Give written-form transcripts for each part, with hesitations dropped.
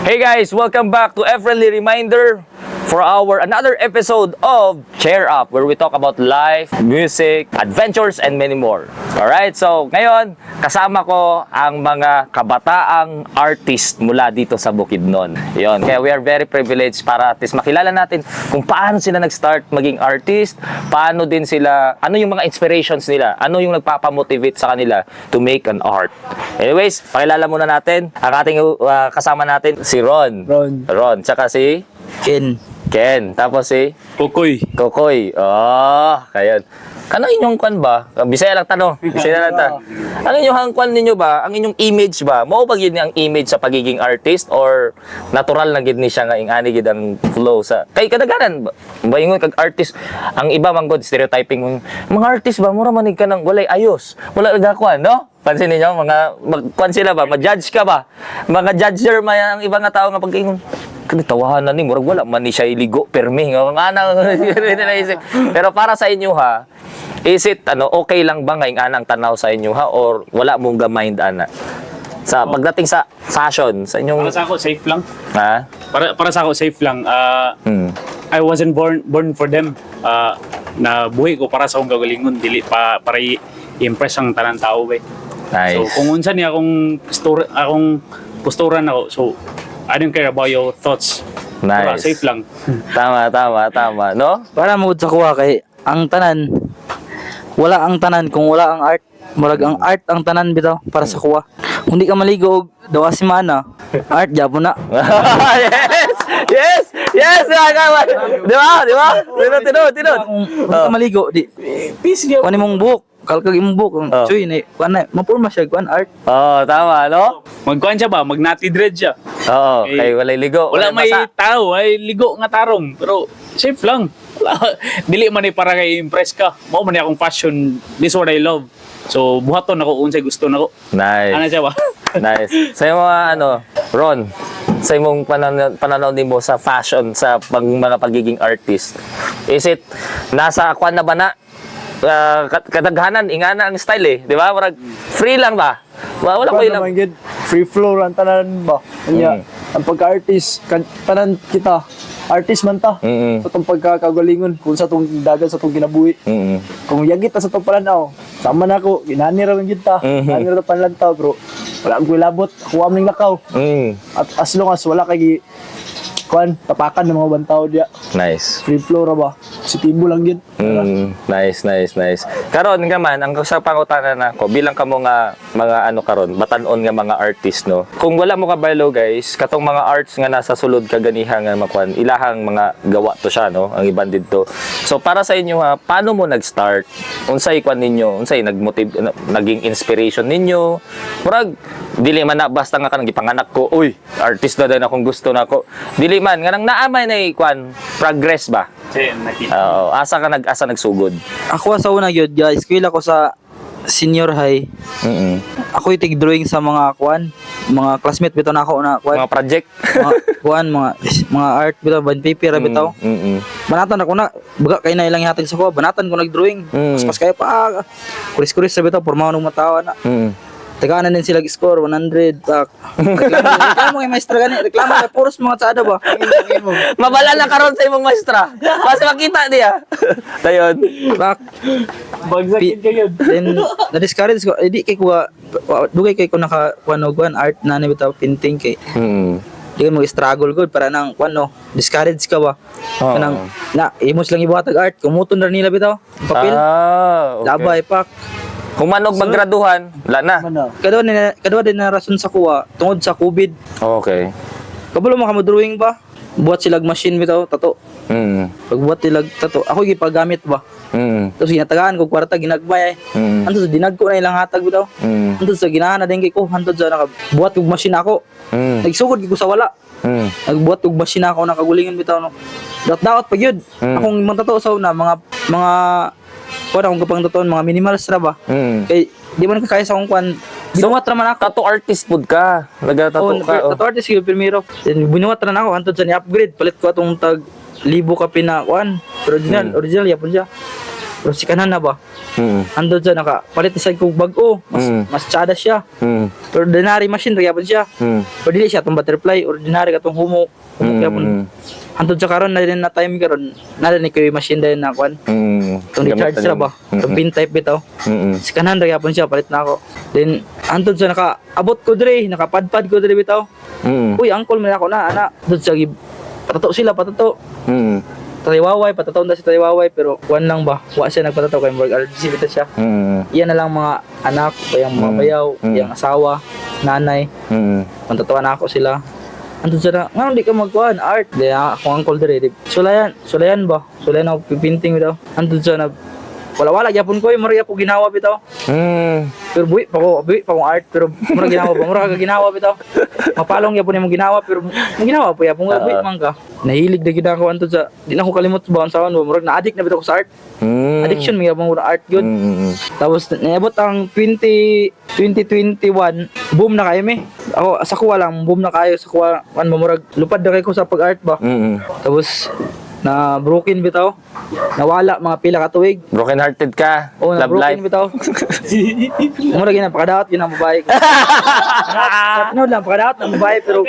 Hey guys, welcome back to Friendly Reminder for our another episode of Cheer Up, where we talk about life, music, adventures, and many more. Alright, so ngayon, kasama ko ang mga kabataang artist mula dito sa Bukidnon. Yun, kaya we are very privileged para at least makilala natin kung paano sila nag-start maging artist, paano din sila, ano yung mga inspirations nila, ano yung nagpapamotivate sa kanila to make an art. Anyways, pakilala muna natin ang ating kasama natin, si Ron. Ron, tsaka si Ken. Tapos si Kokoy. Oh, kayon. Kanang inyong kwan ba? Bisaya lang tanong. Bisaya lang ta. Ang inyong hangkwan ninyo ba? Ang inyong image ba? Mao ba gyud ang image sa pagiging artist or natural na gid ni siya nga ingani gid ang flow sa kay kadaganan ba ingon kag artist ang iba man god stereotyping mga artist ba mura manig ka nang walay ayos. Wala nagakwan, no? Pansin niyo mga magkwan sila ba? Ma-judge ka ba? Mga judger man ang iba nga tao nga pagkaingon kanitawahan ni murag wala man ni siya iligo permi nga anang pero para sa inyo ha, is it okay lang ba nga anang tanaw sa inyo ha or wala mong ga-mind ana sa pagdating sa fashion sa inyong para sa ako safe lang ha para sa ako safe lang I wasn't born for them na buhay ko para sa akong gagalingon dili para i-impress ang tanang tao ba. Nice. So kung unsa ni akong posturan ako, so I don't care about your thoughts. Para Nice. safe lang. Tama, no? Para mo sa kuha kay ang tanan wala ang tanan kung wala ang art. Murag ang art ang tanan bitaw para sa kuha. Kung di ka maligo og dawa si mana, art gyapon na. Yes, kawan. Di ba? Tinod. Kung di ka maligo di Peace gyud. kunin mong buhok, kalkag imong buhok. Chuy ni kuan na mapurma siya kuan art. Oh, tama, no? Magkuan siya ba? Magnati dread siya. Oo, Eh, kay walay ligo. Wala may basa. tao, ay ligo nga tarong. Pero safe lang. Dili man para kay impress ka. Mao man akong fashion. This what I love. So buhaton ako unsay gusto nako. Nice. Ana siya ba? Nice. Sa mga Ron, sa imong pananaw nimo sa fashion, sa mga pagiging artist, is it nasa kwan na ba na kadaghanan ingana ang style di ba? Murag free lang ba? Wala ko ilang. naman gid free flow lang tanan ba kanya ang pagka-artist tanan kita artist man ta sa tong pagkakagalingon kung sa tong dagan sa tong ginabuhi kung yagit ta sa tong pananaw sama na ako ginani ra man gid ta ginani ra panlantaw bro wala ko labot kuha man lakaw at as long as wala kay kuan tapakan ng mga bantaw dia Nice. free flow ra ba positibo lang gid Nice. Karon nga man ang sa pangutana nako bilang kamo nga mga karon batan-on nga mga artist no. Kung wala mo kabalo guys, katong mga arts nga nasa sulod kaganiha nga makuan, ilahang mga gawa to siya no, ang iban didto. So para sa inyo ha, paano mo nag-start? Unsay kwan ninyo? Unsay naging inspiration ninyo? Murag dili man na basta nga kanang gipanganak ko, uy, artist na din akong gusto nako. Dili man nga nang naamay na kwan progress ba? Oo, asa nagsugod. Ako sa una gyud guys, eskwela ko sa senior high. Ako itig drawing sa mga kuan, mga classmate bitaw na ako na kuan. Mga project. Mga kuan mga art bitaw band paper bitaw. Banatan ako na baga kay na ilang ihatag sa ko, banatan ko nag-drawing. Pas kaya pa kuris-kuris sa bitaw pormahan ng matawa na. Taganan din sila score 100 tak. Reklamo kay maestra gani, reklamo kay puros mga tsada ba. Mabala na karon sa imong maestra. Basta makita niya. Dayon. Bak Bagsakin kayo. then na-discourage ko, di kay kuha dugay kay ko naka kuan art na ni bitaw painting kay. Di mo struggle good para nang kuan discourage ka ba. Kanang na imos lang ibuhatag art, kumuton na nila bitaw. Papel. Okay. Labay pak. Kung manog maggraduhan, wala na. Kadua din na rason sa kuha tungod sa COVID. Okay. Kabalo mo ka mo drawing ba? Buat silag machine bitaw tato. Pagbuhat silag tato, ako gipagamit ba. Tapos ginatagaan ko kwarta ginagbay. Anto sa dinagko na ilang hatag bitaw. Anto sa ginahan na din kay ko, anto sa nakabuhat og machine ako. Nagsugod ko sa wala. Nagbuhat og machine ako nakagulingan bitaw no. Daot pag yun. Akong mga tato sa una mga kuan akong kapang tatoon mga minimals ra ba. Kay di man ka kaya sa akong kuan. Binuwat ra man ako. Tattoo artist pud ka. Nagatato ka. Tattoo artist yung primero. Then binuwat ra na ako antod sa ni-upgrade palit ko atong tag libo ka pina kuan. Original yapon siya. Pero si kanan na ba? Mm. Andun dyan, nakapalit isag kong bag-o. Mas tsada siya. Mm. Pero ordinary machine, nagyapon siya. Mm. Pero dili siya itong butterfly, ordinary katong humok. Humok yapon. Andun sa karon na rin na time karon, na rin ko yung machine din na kwan. Itong recharge sila ba? Itong pin type bitaw. Si kanan nagyapon siya, palit na ako. Then, andun sa nakaabot ko dre, nakapadpad ko dre bitaw. Uy, angkol man ako na, ana. Doon sa patato sila, patato. Taliwaway, patataw na si Taliwaway, pero kuwan lang ba? Wa siya nagpatataw kay Morg RGC bitaw siya. Iyan na lang mga anak, o yung mga bayaw, yung asawa, nanay. Pantatawa na ako sila. Andun siya na, nga hindi ka magkuhan, art. Di ako angkol dere. Sulayan ba? Sulayan ako pipinting bitaw. Andun siya na, wala-wala, yapon ko yung maraya po ginawa bitaw. Pero buwi pa akong art, pero mura ginawa pa, mura ka ginawa bitaw. Mapalong yapon yung ginawa, pero ginawa po yapon, buwi man ka. Nahilig na ginagawa anto sa, di na ako kalimot ba ang sawan mo, mura na-addict na bitaw ko sa art. Addiction, may yapon mura art yun. Tapos, naabot ang 2021, boom na kayo me. Ako, sa kuwa lang, boom na kayo, sa kuwa, mamurag, lupad na kayo ko sa pag-art ba. Tapos, na broken bitaw, nawala mga pila ka tuig. Broken hearted ka. Oo, na Love life. broken bitaw. Mura gina pakadaot yun ang babae. Sa tinod lang pakadaot ang babae pero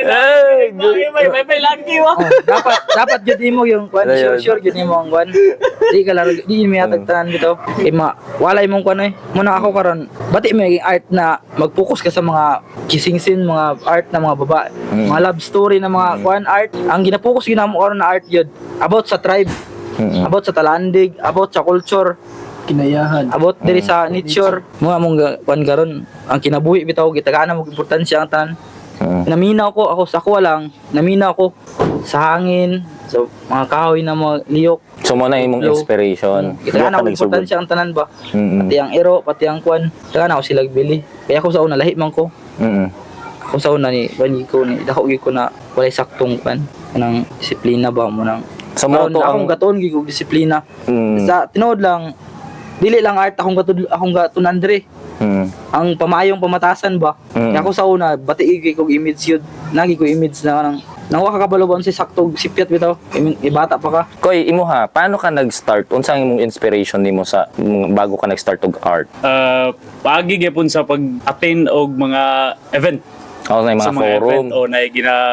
May lagi wa. dapat jud mo yung kwan, sure jud mo ang kwan. Di ka laro, di mo yatag tanan bitaw. Kay walay mong kwan eh. Muna ako karon, bati mo yung art na mag-focus ka sa mga kissing scene, mga art na mga babae, mga love story na mga kwan art. Ang gina-focus ginamo karon na art yun about sa tribe, about sa talandig, about sa culture, Kinayahan. about diri sa nature. Mga mong kwan karon, ang kinabuhi bitaw gitagana mo importansya ang tanan. Naminaw ko ako sa kuwa lang, naminaw ko sa hangin, sa mga kahoy na mga liyok. So mo na imong inspiration. Gitagana mo importansya ang tanan ba? Pati ang ero, pati ang kwan. Gitagana ko sila bili. Kaya ako sa una lahi man ko. Ako sa una ni bani ko ni dako gyud ko na walay saktong kwan nang disiplina ba mo nang So mo to akong ang gaton gyud kog disiplina. Sa tinuod lang dili lang art akong gatunan dre. Ang pamayong pamatasan ba? Kaya ako sa una bati gyud kog image yun. Nagi ko image na nang nawa ka kabalobon si saktong sipyat bitaw. Bata pa ka. Koy, imo ha, paano ka nag-start? Unsa ang imong inspiration nimo sa bago ka nag-start og art? Paagi gyapon sa pag-attend og mga event. O na Sa mga mga event forum. o na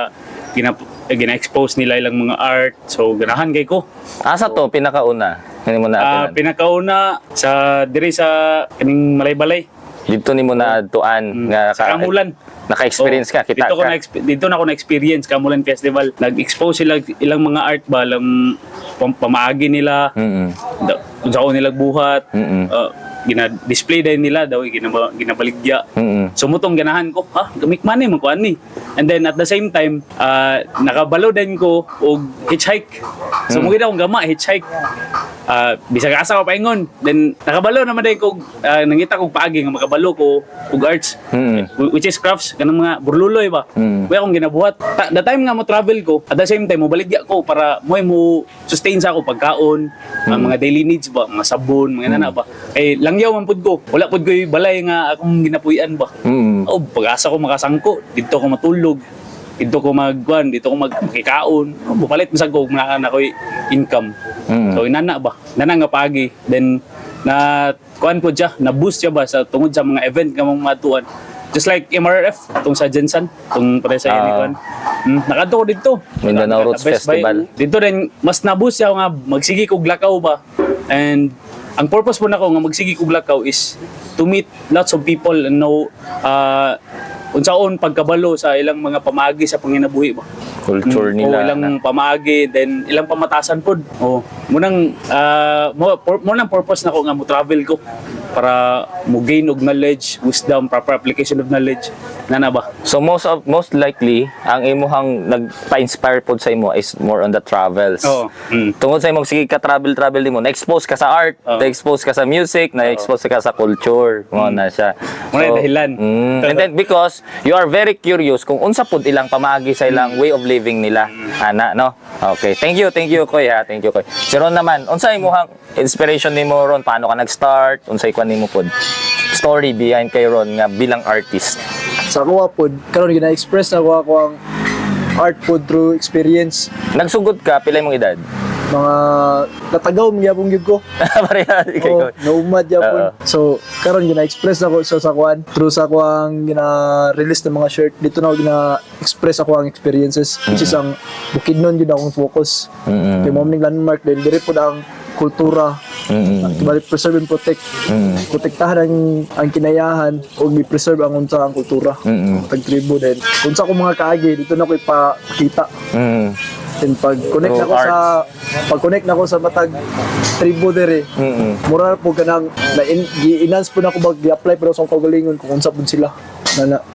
gina-expose nila ilang mga art. So ganahan kay ko. Asa to pinakauna? Hindi mo na Pinakauna sa diri sa kaning Malay-Balay. dito nimo na tuan nga Sa Kamulan. naka-experience ka, kita ka. Dito na ako na-experience Kamulan Festival. Nag-expose sila ilang mga art ba, ilang pamaagi nila, kung saan nila buhat, gina-display din nila daw, ginabaligya. Sumutong ganahan ko, gamikman mo ko ani. And then at the same time, nakabalo din ko og hitchhike. So mugid akong gama hitchhike. Bisag asa ko paingon. Then nakabalo naman din ko, nangita kong paagi nga makabalo ko og arts, which is crafts, kanang mga burluloy ba. Kaya akong ginabuhat. The time nga mo travel ko, at the same time mo baligya ko para mo sustain sa ako pagkaon, mga daily needs ba, mga sabon, mga nana ba. Eh langyaw man pud ko. Wala pud ko balay nga akong ginapuy-an ba. Pag-asa ko makasangko, dito ko matulog. Dito ko dito ko magkikaon. Bupalit masag ko na ko'y income. So inana ba? Nana nga pagi. Then na kuan po siya, na boost siya ba sa tungod sa mga event nga mga matuan. Just like MRF, tong sa Jensen, tong pare sa ini kuan. Nakadto ko dito. Mindanao Roots Best Buy. Festival. Dito rin mas na-boost siya nga magsigi kog lakaw ba. And ang purpose po nako nga magsigi kog lakaw is to meet lots of people and know unsaon pagkabalo sa ilang mga pamagi sa panginabuhi ba. Culture nila. Ilang pamagi, then ilang pamatasan pod. Munang purpose nako nga mo travel ko para mo gain og knowledge, wisdom, proper application of knowledge. Nana ba? So most likely ang imuhang nagpa-inspire pod sa imo is more on the travels. Oo. Tungod sa imong sige ka travel nimo, na-expose ka sa art, na-expose ka sa music, na-expose ka sa culture, mo na siya. Muna yung dahilan. And then because you are very curious kung unsa pod ilang pamagi sa ilang way of living nila. Ana, no? Okay. Thank you Koy ha. Thank you Koy. Si Ron naman, unsa imong inspiration nimo Ron? Paano ka nag-start? Unsay kwan nimo pod? Story behind kay Ron nga bilang artist. Sa kuha pod, karon gina-express na ako ang art pod through experience. Nagsugod ka, pila imong edad? mga natagaw magyapon gyud ko. Pareha kay Oh, naumad yapon. So karon gina-express ako sa kuan through sa kuang gina-release ng mga shirt. Dito na ako gina-express ako ang experiences which is ang Bukidnon yun akong focus. Kay mo ning landmark din diri pud ang kultura. Balik preserve and protect. Protektahan ang kinayahan o gi-preserve ang unsa ang kultura. Pag-tribo din. Unsa ko mga kaagi dito na ko ipakita. And pag-connect na ko sa matag tribo dere. Mura po kanang gi-enhance po na ko mag-apply pero sa kaugalingon kung unsa pud sila. Na